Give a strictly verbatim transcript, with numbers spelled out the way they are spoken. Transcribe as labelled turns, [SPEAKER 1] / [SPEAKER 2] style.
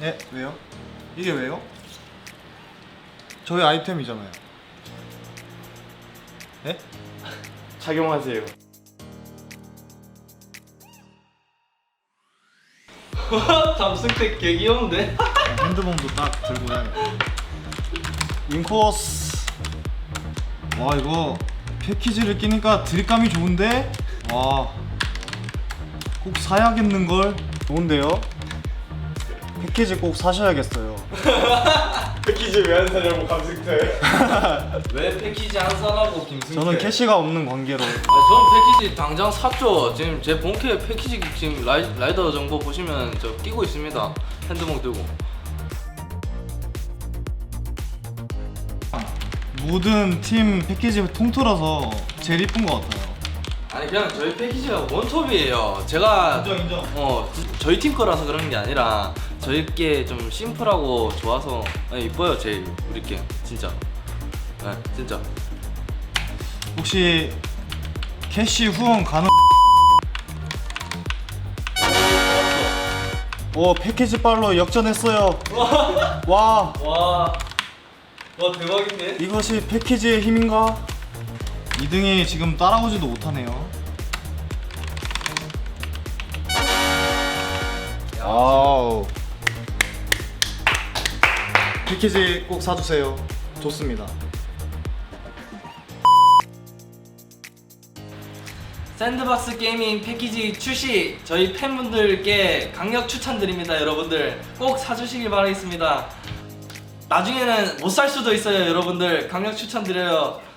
[SPEAKER 1] 예? 왜요? 이게 왜요? 저희 아이템이잖아요. 예?
[SPEAKER 2] 착용하세요.
[SPEAKER 3] 잠승택 개 귀여운데?
[SPEAKER 1] 핸드봉도 딱 들고 다녀. 인코스. 와 이거 패키지를 끼니까 드립감이 좋은데? 와. 꼭 사야겠는걸? 좋은데요? 패키지 꼭 사셔야겠어요.
[SPEAKER 2] 패키지 왜 안 사냐고 감승태.
[SPEAKER 3] 왜 패키지 안 사라고 김승태?
[SPEAKER 1] 저는 캐시가 없는 관계로.
[SPEAKER 3] 아, 전 패키지 당장 샀죠. 지금 제 본캐 패키지 지금 라이, 라이더 정보 보시면 저 끼고 있습니다. 핸드봉 들고.
[SPEAKER 1] 모든 팀 패키지 통틀어서 제일 이쁜 것 같아요.
[SPEAKER 3] 아니 그냥 저희 패키지가 원톱이에요. 제가
[SPEAKER 1] 인정, 인정.
[SPEAKER 3] 어 저희 팀 거라서 그런 게 아니라 저희 게 좀 심플하고 좋아서 아니, 이뻐요 제일 우리 게 진짜. 네 진짜.
[SPEAKER 1] 혹시 캐시 후원 가능? 오 패키지 빨로 역전했어요. 와
[SPEAKER 3] 와, 와 대박인데?
[SPEAKER 1] 이것이 패키지의 힘인가? 이 등이 지금 따라오지도 못하네요. 아우 패키지 꼭 사주세요. 좋습니다.
[SPEAKER 3] 샌드박스 게이밍 패키지 출시 저희 팬분들께 강력 추천드립니다. 여러분들 꼭 사주시길 바라겠습니다. 나중에는 못 살 수도 있어요. 여러분들 강력 추천드려요.